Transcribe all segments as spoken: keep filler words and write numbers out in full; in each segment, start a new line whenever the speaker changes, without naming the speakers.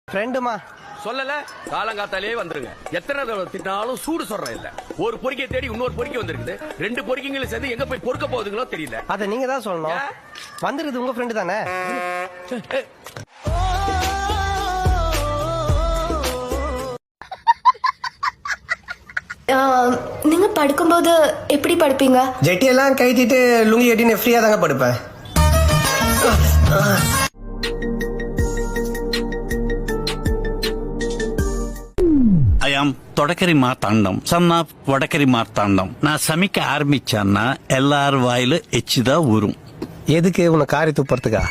ஃப்ரெண்டுமா
சொல்லல காலங்காத்தாலே வந்துருங்க. எத்தனை தடவை திட்டாலும் சூடு சொல்றேன் இல்ல. ஒரு பொறிக்கை தேடி இன்னொரு பொறிக்கை வந்திருக்குது. ரெண்டு பொறிக்கைங்களும் சேர்ந்து எங்க போய் பொறுக்க போகுதுங்களோ தெரியல.
அத நீங்க தான் சொல்லணும். வந்துருது உங்க ஃப்ரெண்டு தானே.
நீங்க படுக்கும்போது எப்படி படுப்பீங்க?
ஜெட்டியெல்லாம் கைட்டிட்டு லுங்கி கட்டின்னு ஃப்ரீயா தாங்க படுப்பேன்.
ஐயாம் தொடக்கரி மார்த்தாண்டம் சன்னா வடக்கரி மார்த்தாண்டம். நான் சமைக்க ஆரம்பிச்சேன்னா எல்லாரும் வாயில எச்சுதான் ஊறும்.
எதுக்கு உன்னை காரி துப்புறதுக்கா?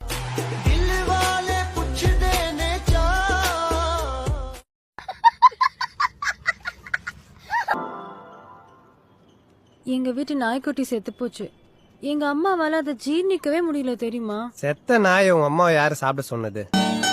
எங்க வீட்டு நாய்க்குட்டி செத்து போச்சு. எங்க அம்மாவால அதை ஜீர்ணிக்கவே முடியல தெரியுமா?
செத்த நாய் உங்க அம்மா யாரு சாப்பிட சொன்னது?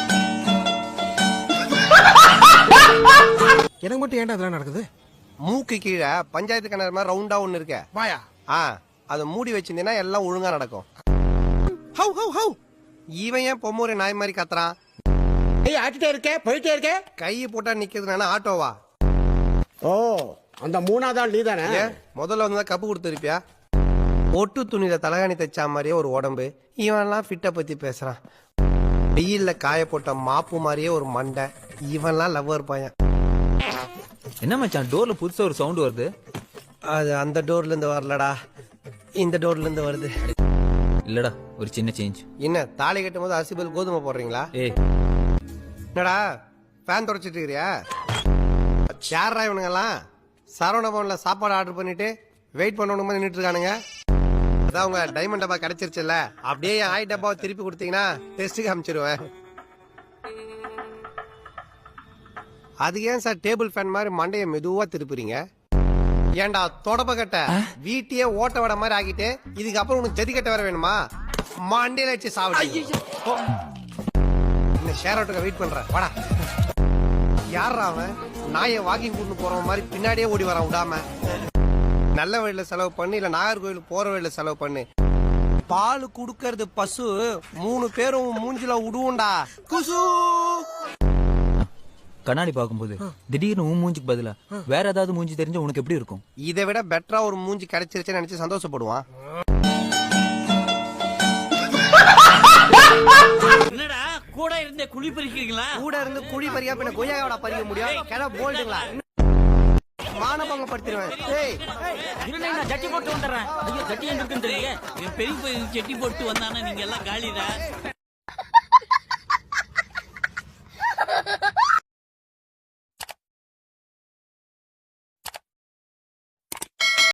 எனக்கு மட்டும் ஏன்டா அதெல்லாம் நடக்குது?
மூக்கு கீழே பஞ்சாயத்து கிணறு மாதிரி ரவுண்டா ஒண்ணு இருக்க
வாயா.
ஆ அதை மூடி வச்சிருந்தீங்கன்னா எல்லாம் ஒழுங்கா நடக்கும்.
ஹவ் ஹவ் ஹவ்.
இவன் ஏன் பொம்மூரை நாய் மாதிரி கத்துறான்?
ஏய் ஆட்டிட்டே இருக்கே போயிட்டே இருக்கே.
கையை போட்டா நிக்கிறதுனா ஆட்டோவா?
ஓ அந்த மூணாவது ஆள் நீதானே?
ஏன் முதல்ல வந்து கப்பு கொடுத்துருப்பியா? ஒட்டு துணியில தலகாணி தைச்சா மாதிரியே ஒரு உடம்பு. இவன்லாம் ஃபிட்ட பத்தி பேசுறான். வெயில்ல காய போட்ட மாப்பு மாதிரியே ஒரு மண்டை. இவன்லாம் லவ்வர் பையன்.
என்ன மச்சான் டோர்ல புதுசா ஒரு சவுண்ட் வருது?
அது அந்த டோர்ல இருந்து வரலடா, இந்த டோர்ல இருந்து வருது.
இல்லடா ஒரு சின்ன சேஞ்ச்.
என்ன தாலி கட்டும் போது அரிசி பதில் கோதுமை போடுறீங்களா?
ஏய்
என்னடா ஃபேன் தொடச்சிட்டு இருக்கிறியா? யாரா இவனுங்கெல்லாம் சரவண பவன்ல சாப்பாடு ஆர்டர் பண்ணிட்டு வெயிட் பண்ணணும் நின்றுட்டு இருக்கானுங்க. அதான் உங்க டைமண்ட் டப்பா கிடைச்சிருச்சுல்ல, அப்படியே என் ஆய் டப்பாவை திருப்பி கொடுத்தீங்கன்னா டெஸ்ட்டுக்கு அமைச்சிருவேன். அது ஏன் சார் டேபிள் ஃபேன் மாதிரி மண்டைய மெதுவா திருப்புறீங்க? ஏன்டா தொடப்ப கட்ட வீட்டையே ஓட்ட வட மாதிரி ஆகிட்டு இதுக்கப்புறம் உனக்கு ஜதி கட்ட வர வேணுமா? மண்டையில வச்சு சாப்பிடு. இந்த ஷேர் ஆட்டோக்கு வெயிட் பண்ற வாடா. யாரா அவன்? நாயை வாக்கிங் கூட்டு போற மாதிரி பின்னாடியே ஓடி வரான் விடாம. நல்ல வழியில செலவு பண்ணு, இல்ல நாகர்கோவில் போற வழியில செலவு பண்ணு. பால் குடுக்கறது பசு, மூணு பேரும் மூஞ்சில விடுவோண்டா குசு.
கண்ணாடி பாக்கும்போது திடீர்னு உன் மூஞ்சிக்கு பதிலா வேற ஏதாவது மூஞ்சி தெரிஞ்சா உனக்கு எப்படி இருக்கும்?
இதை விட பெட்டரா ஒரு மூஞ்சி கிடைச்சிருச்சுன்னு நினைச்சு சந்தோஷப்படுவான்.
என்னடா கூட இருந்தே குழி பறிக்கிறீங்களா?
கூட இருந்து குழி பறியா பின்ன கொய்யாவோட பறிக்க முடியும்? கிட போல்டுங்களா மானபங்க படுத்திடுவேன்.
ஜட்டி போட்டு வந்துடுறேன். ஐயோ ஜட்டி எங்க இருக்குன்னு தெரியல. பெரிய பெரிய ஜட்டி போட்டு வந்தானே நீங்க எல்லாம் காலிடா.